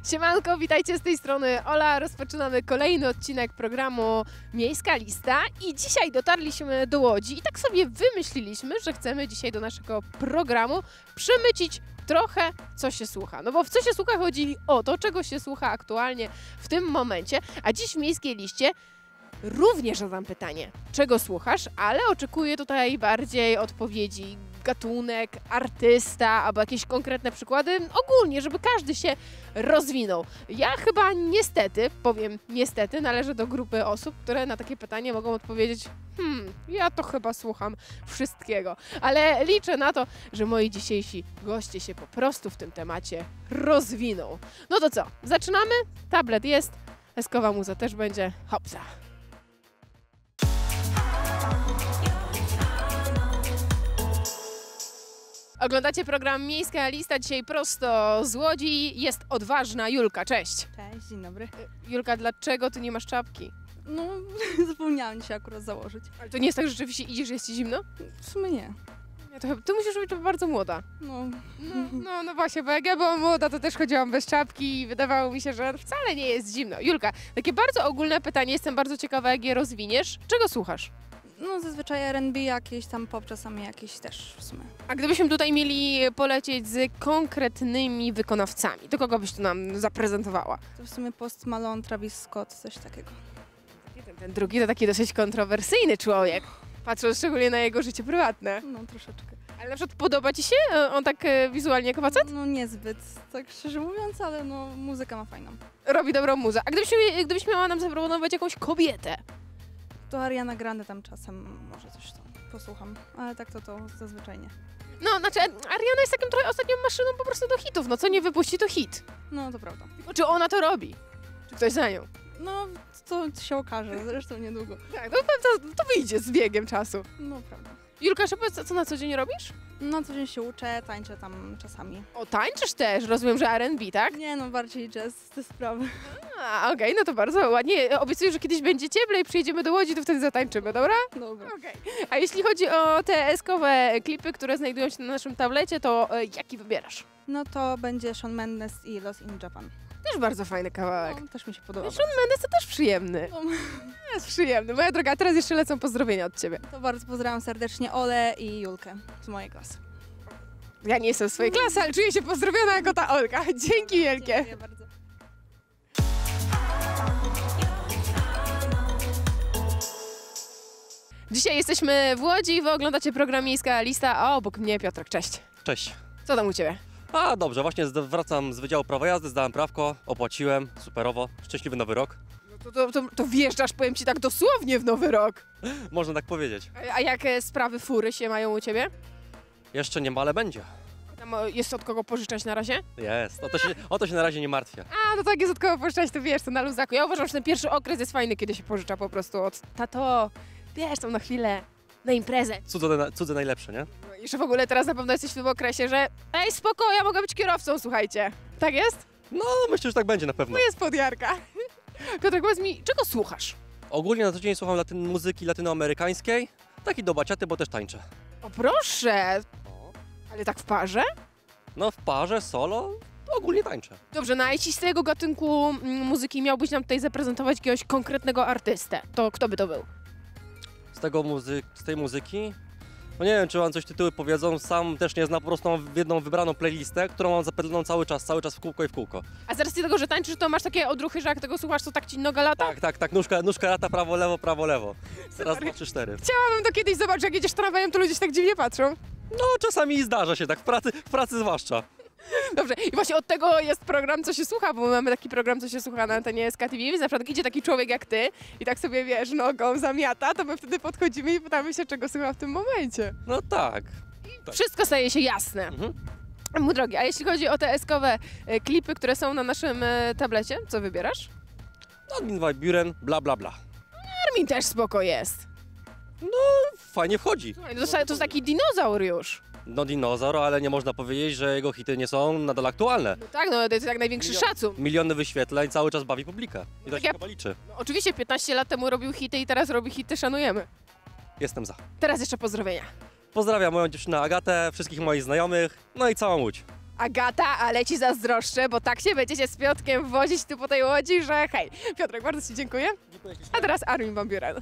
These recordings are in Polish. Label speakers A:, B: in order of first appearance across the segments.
A: Siemanko, witajcie z tej strony Ola. Rozpoczynamy kolejny odcinek programu Miejska Lista i dzisiaj dotarliśmy do Łodzi i tak sobie wymyśliliśmy, że chcemy dzisiaj do naszego programu przemycić trochę, co się słucha. No bo w co się słucha chodzi o to, czego się słucha aktualnie w tym momencie, a dziś w Miejskiej Liście również zadam pytanie, czego słuchasz, ale oczekuję tutaj bardziej odpowiedzi gatunek, artysta albo jakieś konkretne przykłady, ogólnie, żeby każdy się rozwinął. Ja chyba niestety, powiem niestety, należę do grupy osób, które na takie pytanie mogą odpowiedzieć ja to chyba słucham wszystkiego, ale liczę na to, że moi dzisiejsi goście się po prostu w tym temacie rozwiną. No to co, zaczynamy? Tablet jest, eskowa muza też będzie, hopsa. Oglądacie program Miejska Lista, dzisiaj prosto z Łodzi. Jest odważna Julka, cześć.
B: Cześć, dzień dobry.
A: Julka, dlaczego ty nie masz czapki?
B: No, zapomniałam się akurat założyć.
A: Ale to nie jest tak, że rzeczywiście idziesz, jest ci zimno?
B: W sumie nie.
A: Nie, to ty musisz być bardzo młoda.
B: No.
A: No właśnie, bo jak ja byłam młoda, to też chodziłam bez czapki i wydawało mi się, że wcale nie jest zimno. Julka, takie bardzo ogólne pytanie, jestem bardzo ciekawa, jak je rozwiniesz. Czego słuchasz?
B: No zazwyczaj R&B jakieś, tam pop czasami jakieś też w sumie.
A: A gdybyśmy tutaj mieli polecieć z konkretnymi wykonawcami, to kogo byś tu nam zaprezentowała?
B: To w sumie Post Malone, Travis Scott, coś takiego.
A: Ten drugi to taki dosyć kontrowersyjny człowiek, patrząc szczególnie na jego życie prywatne.
B: No troszeczkę.
A: Ale na przykład podoba ci się on tak wizualnie jako facet?
B: No niezbyt, tak szczerze mówiąc, ale no muzyka ma fajną.
A: Robi dobrą muzę. A gdybyś miała nam zaproponować jakąś kobietę?
B: To Ariana Grande tam czasem może coś tam posłucham, ale tak to zazwyczaj nie.
A: No, znaczy Ariana jest taką trochę ostatnią maszyną po prostu do hitów. No co nie wypuści, to hit.
B: No to prawda.
A: Tylko czy ona to robi? Czy ktoś za nią?
B: No to się okaże, zresztą niedługo.
A: Tak, no to wyjdzie z biegiem czasu.
B: No prawda.
A: Julka, co na co dzień robisz?
B: No co dzień się uczę, tańczę tam czasami.
A: O, tańczysz też, rozumiem, że R&B, tak?
B: Nie no, bardziej jazz, te sprawy.
A: A, okej, no to bardzo ładnie. Obiecuję, że kiedyś będzie cieplej, przyjedziemy do Łodzi, to wtedy zatańczymy, dobra?
B: Dobra.
A: Okej. A jeśli chodzi o te eskowe klipy, które znajdują się na naszym tablecie, to jaki wybierasz?
B: No to będzie Shawn Mendes i Lost in Japan.
A: Też bardzo fajny kawałek.
B: No, też mi się podoba.
A: Shawn Mendes to też przyjemny.
B: No.
A: Jest przyjemny. Moja droga, a teraz jeszcze lecą pozdrowienia od ciebie.
B: To bardzo pozdrawiam serdecznie Olę i Julkę z mojej klasy.
A: Ja nie jestem w swojej klasy, ale czuję się pozdrowiona jako ta Olka. Dzięki wielkie.
B: Dziękuję bardzo.
A: Dzisiaj jesteśmy w Łodzi, wy oglądacie program Miejska Lista, a obok mnie Piotrek, cześć.
C: Cześć.
A: Co tam u ciebie?
C: A dobrze, właśnie wracam z Wydziału Prawa Jazdy, zdałem prawko, opłaciłem, superowo, szczęśliwy nowy rok.
A: No to wjeżdżasz, powiem ci tak dosłownie w nowy rok.
C: Można tak powiedzieć.
A: A jak sprawy fury się mają u ciebie?
C: Jeszcze nie ma, ale będzie.
A: Tam jest od kogo pożyczać na razie?
C: Jest, o to się na razie nie martwię.
A: A, no tak jest od kogo pożyczać, to wiesz, to na luzaku. Ja uważam, że ten pierwszy okres jest fajny, kiedy się pożycza po prostu od tato, wiesz, tam na chwilę, na imprezę.
C: Cudze najlepsze, nie?
A: No i że w ogóle teraz na pewno jesteś w tym okresie, że ej, spoko, ja mogę być kierowcą, słuchajcie. Tak jest?
C: No, myślę, że tak będzie na pewno.
A: To jest podjarka. Piotrek, powiedz mi, czego słuchasz?
C: Ogólnie na co dzień słucham muzyki latynoamerykańskiej, tak i do baciaty, bo też tańczę.
A: O proszę, ale tak w parze?
C: No w parze, solo, ogólnie tańczę.
A: Dobrze, no a jeśli z tego gatunku muzyki miałbyś nam tutaj zaprezentować jakiegoś konkretnego artystę, to kto by to był?
C: Z tej muzyki? No nie wiem, czy wam coś tytuły powiedzą, sam też nie znam, po prostu mam jedną wybraną playlistę, którą mam zapętloną cały czas w kółko i w kółko.
A: A z racji tego, że tańczysz, to masz takie odruchy, że jak tego słuchasz, to tak ci noga lata?
C: Tak, nóżka lata, prawo, lewo. Raz, dwa, trzy, cztery.
A: Chciałabym to kiedyś zobaczyć, jak jedziesz tramwajem, to ludzie się tak dziwnie patrzą.
C: No czasami zdarza się tak, w pracy zwłaszcza.
A: Dobrze, i właśnie od tego jest program, co się słucha, bo my mamy taki program, co się słucha na antenie SK TV, więc na przykład idzie taki człowiek jak ty i tak sobie, wiesz, nogą zamiata, to my wtedy podchodzimy i pytamy się, czego słucha w tym momencie.
C: No tak.
A: Wszystko staje się jasne. Mój drogi, a jeśli chodzi o te eskowe klipy, które są na naszym tablecie, co wybierasz?
C: Armin van Buuren, bla bla bla.
A: Armin też spoko jest.
C: Fajnie wchodzi.
A: Słuchaj, no to jest taki dinozaur już.
C: No dinozaur, ale nie można powiedzieć, że jego hity nie są nadal aktualne.
A: No tak, no to jest jak największy szacun.
C: Miliony wyświetleń, cały czas bawi publikę. I to się chyba liczy.
A: No, oczywiście 15 lat temu robił hity i teraz robi hity, szanujemy.
C: Jestem za.
A: Teraz jeszcze pozdrowienia.
C: Pozdrawiam moją dziewczynę Agatę, wszystkich moich znajomych, no i całą Łódź.
A: Agata, ale ci zazdroszczę, bo tak się będziecie z Piotrkiem wozić tu po tej łodzi, że hej. Piotrek, bardzo ci dziękuję. A teraz Armin van Buuren.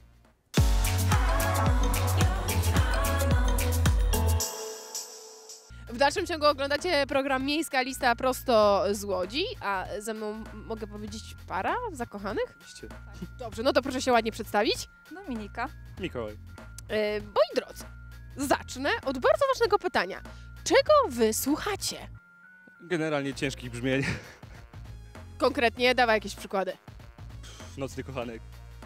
A: W dalszym ciągu oglądacie program Miejska Lista prosto z Łodzi, a ze mną mogę powiedzieć para zakochanych?
D: Oczywiście.
A: Dobrze, no to proszę się ładnie przedstawić.
B: Dominika.
D: Mikołaj.
A: Moi drodzy, zacznę od bardzo ważnego pytania. Czego wy słuchacie?
D: Generalnie ciężkich brzmień.
A: Konkretnie, dawaj jakieś przykłady.
D: Nocny kochanek.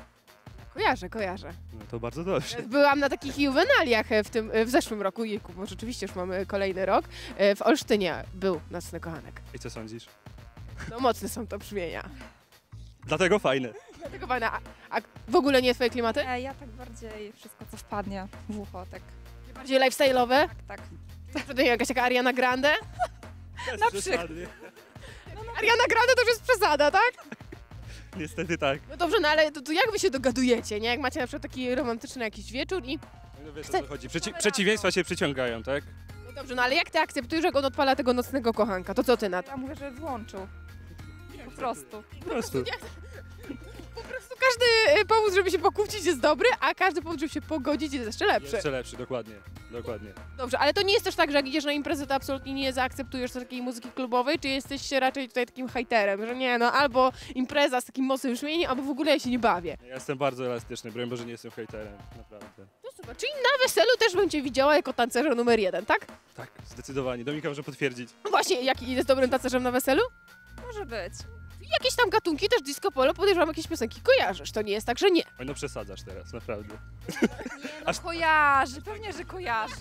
A: Kojarzę.
D: No to bardzo dobrze.
A: Byłam na takich juwenaliach w zeszłym roku, jejku, bo rzeczywiście już mamy kolejny rok. W Olsztynie był Nocny Kochanek.
D: I co sądzisz?
A: No mocne są to brzmienia.
D: Dlatego fajne.
A: Dlatego fajna. A w ogóle nie twoje klimaty?
B: Ja tak bardziej wszystko, co wpadnie w ucho, tak.
A: Bardziej lifestyle'owe?
B: Tak.
A: To jakaś taka Ariana Grande?
B: Na przykład.
A: Ariana Grande to już jest przesada, tak?
D: Niestety tak.
A: No dobrze, no ale to jak wy się dogadujecie, nie? Jak macie na przykład taki romantyczny jakiś wieczór i...
D: No wiesz, o co chodzi. Przeciwieństwa się przyciągają, tak?
A: No dobrze, no ale jak ty akceptujesz, jak on odpala tego Nocnego Kochanka? To co ty na to?
B: Ja mówię, że włączył. Po prostu.
D: Po prostu.
A: Po prostu każdy powód, żeby się pokłócić jest dobry, a każdy powód, żeby się pogodzić jest jeszcze lepszy.
D: Jeszcze lepszy, dokładnie. Dokładnie.
A: Dobrze, ale to nie jest też tak, że jak idziesz na imprezę, to absolutnie nie zaakceptujesz takiej muzyki klubowej, czy jesteś raczej tutaj takim hejterem, że nie, no albo impreza z takim mocnym brzmieniem, albo w ogóle ja się nie bawię.
D: Ja jestem bardzo elastyczny, broń Boże nie jestem hejterem, naprawdę.
A: No super, czyli na weselu też bym cię widziała jako tancerza numer 1, tak?
D: Tak, zdecydowanie. Dominika może potwierdzić.
A: No właśnie, jaki jest dobrym tancerzem na weselu?
B: Może być.
A: Jakieś tam gatunki, też disco polo, podejrzewam, jakieś piosenki kojarzysz, to nie jest tak, że nie.
D: Oj, no przesadzasz teraz, naprawdę.
B: No kojarzy, pewnie, że kojarzy.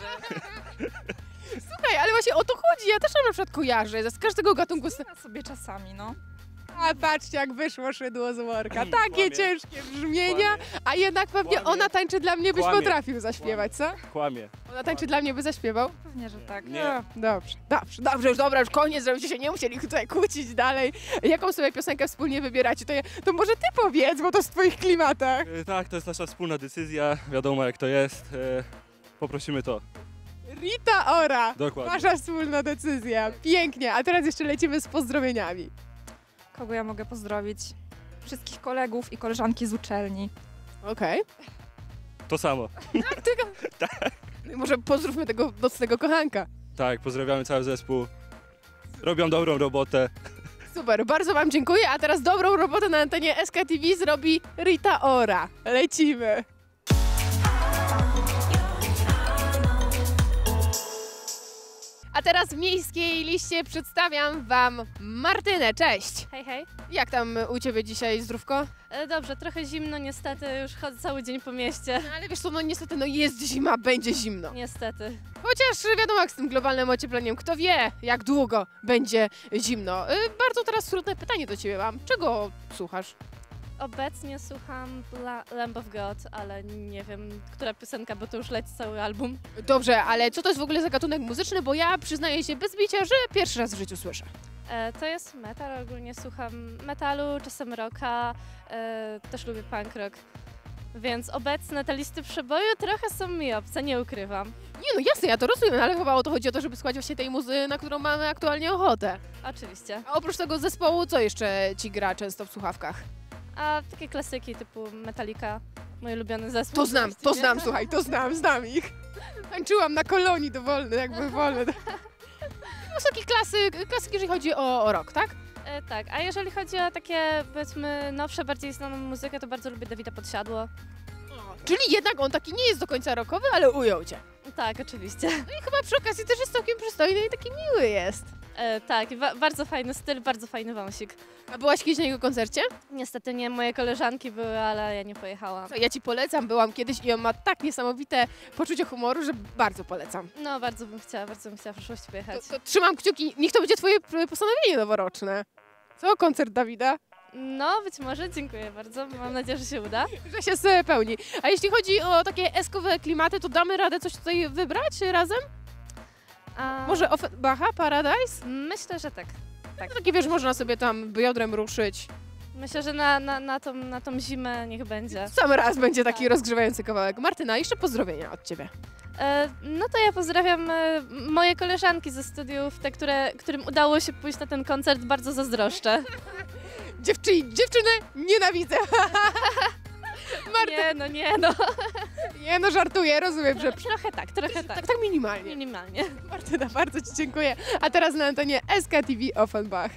A: Słuchaj, ale właśnie o to chodzi, ja też na przykład kojarzę, z każdego gatunku...
B: Ja sobie czasami, no.
A: A patrzcie, jak wyszło szydło z worka, takie
D: Kłamie.
A: ciężkie brzmienia, a jednak pewnie
D: Kłamie.
A: ona tańczy dla mnie, byś
D: Kłamie.
A: potrafił zaśpiewać, co?
D: Kłamie.
A: Ona tańczy dla mnie, by zaśpiewał?
B: Pewnie, że tak.
D: Nie.
A: A, dobrze, już koniec, żebyście się nie musieli tutaj kłócić dalej. Jaką sobie piosenkę wspólnie wybieracie, to może ty powiedz, bo to w twoich klimatach.
D: Tak, to jest nasza wspólna decyzja, wiadomo jak to jest. Poprosimy to.
A: Rita Ora,
D: Dokładnie.
A: wasza wspólna decyzja, pięknie, a teraz jeszcze lecimy z pozdrowieniami.
B: Kogo ja mogę pozdrowić? Wszystkich kolegów i koleżanki z uczelni.
A: Okej.
D: To samo.
A: No i może pozdrówmy tego Nocnego Kochanka.
D: Tak, pozdrawiamy cały zespół. Robią dobrą robotę.
A: Super, bardzo wam dziękuję, a teraz dobrą robotę na antenie SKTV zrobi Rita Ora. Lecimy. A teraz w Miejskiej Liście przedstawiam wam Martynę. Cześć!
E: Hej, hej.
A: Jak tam u ciebie dzisiaj zdrówko?
E: Dobrze, trochę zimno niestety, już chodzę cały dzień po mieście.
A: No ale wiesz co, no niestety no jest zima, będzie zimno.
E: Niestety.
A: Chociaż wiadomo jak z tym globalnym ociepleniem, kto wie jak długo będzie zimno. Bardzo teraz trudne pytanie do ciebie mam. Czego słuchasz?
E: Obecnie słucham Lamb of God, ale nie wiem, która piosenka, bo to już leci cały album.
A: Dobrze, ale co to jest w ogóle za gatunek muzyczny? Bo ja przyznaję się bez bicia, że pierwszy raz w życiu słyszę.
E: To jest metal, ogólnie słucham metalu, czasem rocka, też lubię punk rock. Więc obecne te listy przeboju trochę są mi obce, nie ukrywam.
A: Nie no jasne, ja to rozumiem, ale chyba o to chodzi o to, żeby słuchać właśnie tej muzy, na którą mamy aktualnie ochotę.
E: Oczywiście.
A: A oprócz tego zespołu, co jeszcze ci gra często w słuchawkach?
E: A takie klasyki typu Metallica, mój ulubiony zespół.
A: To znam, słuchaj, znam ich. Tańczyłam na kolonii dowolny, jakby wolny. Wysoki klasyk, jeżeli chodzi o rock, tak?
E: Tak, a jeżeli chodzi o takie, powiedzmy, nowsze, bardziej znaną muzykę, to bardzo lubię Dawida Podsiadło.
A: Czyli jednak on taki nie jest do końca rockowy, ale ujął cię.
E: Tak, oczywiście.
A: No i chyba przy okazji też jest całkiem przystojny i taki miły jest.
E: Tak, bardzo fajny styl, bardzo fajny wąsik.
A: A byłaś kiedyś na jego koncercie?
E: Niestety nie, moje koleżanki były, ale ja nie pojechałam.
A: To ja ci polecam, byłam kiedyś i on ma tak niesamowite poczucie humoru, że bardzo polecam.
E: No, bardzo bym chciała w przyszłości pojechać.
A: To trzymam kciuki, niech to będzie twoje postanowienie noworoczne. Co, koncert Dawida?
E: No, być może, dziękuję bardzo, mam nadzieję, że się uda.
A: Że się spełni. A jeśli chodzi o takie eskowe klimaty, to damy radę coś tutaj wybrać razem? Może Offenbacha, Paradise?
E: Myślę, że tak.
A: No takie wiesz, można sobie tam biodrem ruszyć.
E: Myślę, że na tą zimę niech będzie.
A: Sam raz będzie taki rozgrzewający kawałek. Martyna, jeszcze pozdrowienia od ciebie.
E: No to ja pozdrawiam moje koleżanki ze studiów, te, którym udało się pójść na ten koncert, bardzo zazdroszczę.
A: Dziewczyny nienawidzę. Marta,
E: Nie no.
A: nie no, żartuję, rozumiem, że
E: Trochę tak.
A: tak minimalnie.
E: Minimalnie.
A: Martyna, bardzo Ci dziękuję. A teraz na antenie SKTV Offenbach.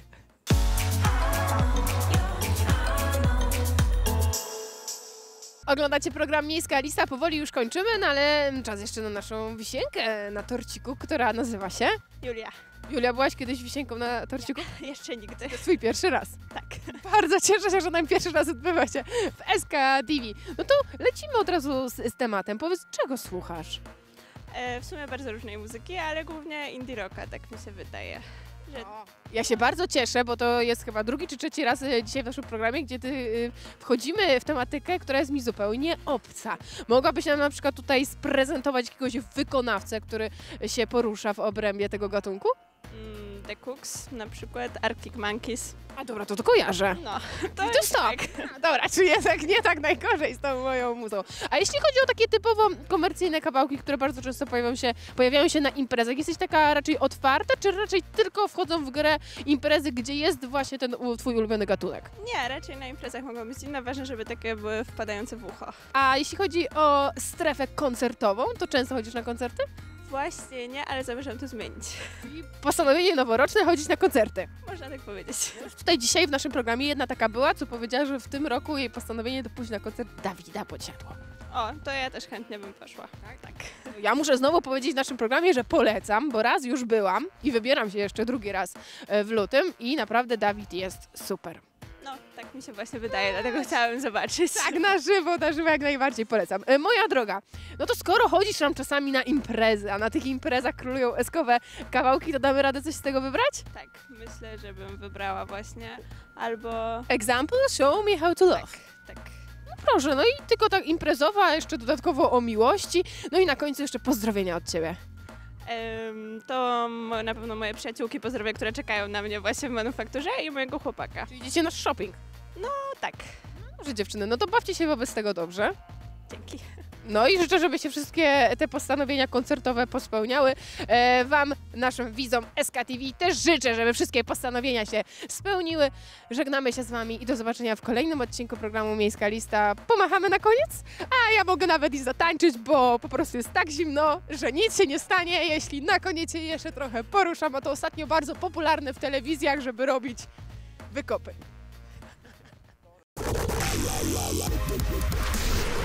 A: Oglądacie program Miejska Lista, powoli już kończymy, no ale czas jeszcze na naszą wisienkę na torciku, która nazywa się...
F: Julia.
A: Julia, byłaś kiedyś wisienką na torciku?
F: Jeszcze nigdy.
A: To jest twój pierwszy raz.
F: Tak.
A: Bardzo cieszę się, że nam pierwszy raz odbywa się w SKTV. No to lecimy od razu z tematem. Powiedz, czego słuchasz?
F: W sumie bardzo różnej muzyki, ale głównie indie rocka, tak mi się wydaje.
A: Ja się bardzo cieszę, bo to jest chyba drugi czy trzeci raz dzisiaj w naszym programie, gdzie wchodzimy w tematykę, która jest mi zupełnie obca. Mogłabyś nam na przykład tutaj sprezentować jakiegoś wykonawcę, który się porusza w obrębie tego gatunku?
F: The Cooks, na przykład Arctic Monkeys.
A: A dobra, to kojarzę.
F: No,
A: To stop. Dobra, czy jednak nie tak najgorzej z tą moją muzą. A jeśli chodzi o takie typowo komercyjne kawałki, które bardzo często pojawiają się na imprezach, jesteś taka raczej otwarta, czy raczej tylko wchodzą w grę imprezy, gdzie jest właśnie ten twój ulubiony gatunek?
F: Nie, raczej na imprezach mogą być inne, ważne, żeby takie były wpadające w ucho.
A: A jeśli chodzi o strefę koncertową, to często chodzisz na koncerty?
F: Właśnie nie, ale zamierzam to zmienić.
A: I postanowienie noworoczne chodzić na koncerty.
F: Można tak powiedzieć.
A: Tutaj dzisiaj w naszym programie jedna taka była, co powiedziała, że w tym roku jej postanowienie to pójść na koncert Dawida Podsiadło.
F: O, to ja też chętnie bym poszła. Tak.
A: Ja muszę znowu powiedzieć w naszym programie, że polecam, bo raz już byłam i wybieram się jeszcze drugi raz w lutym i naprawdę Dawid jest super.
F: No, tak mi się właśnie wydaje, dlatego chciałabym zobaczyć.
A: Tak, na żywo jak najbardziej polecam. Moja droga, no to skoro chodzisz tam czasami na imprezy, a na tych imprezach królują eskowe kawałki, to damy radę coś z tego wybrać?
F: Tak, myślę, że bym wybrała właśnie albo...
A: Example, show me how to love.
F: Tak.
A: Proszę, no i tylko tak imprezowa, jeszcze dodatkowo o miłości, no i na końcu jeszcze pozdrowienia od Ciebie.
F: To na pewno moje przyjaciółki pozdrowię, które czekają na mnie właśnie w manufakturze i mojego chłopaka.
A: Czyli idziecie na shopping.
F: No tak,
A: Dobrze dziewczyny, no to bawcie się wobec tego dobrze.
F: dzięki.
A: No i życzę, żeby się wszystkie te postanowienia koncertowe pospełniały. Wam, naszym widzom SKTV też życzę, żeby wszystkie postanowienia się spełniły. Żegnamy się z Wami i do zobaczenia w kolejnym odcinku programu Miejska Lista. Pomachamy na koniec? A ja mogę nawet i zatańczyć, bo po prostu jest tak zimno, że nic się nie stanie, jeśli na koniec się jeszcze trochę poruszam, a to ostatnio bardzo popularne w telewizjach, żeby robić wykopy.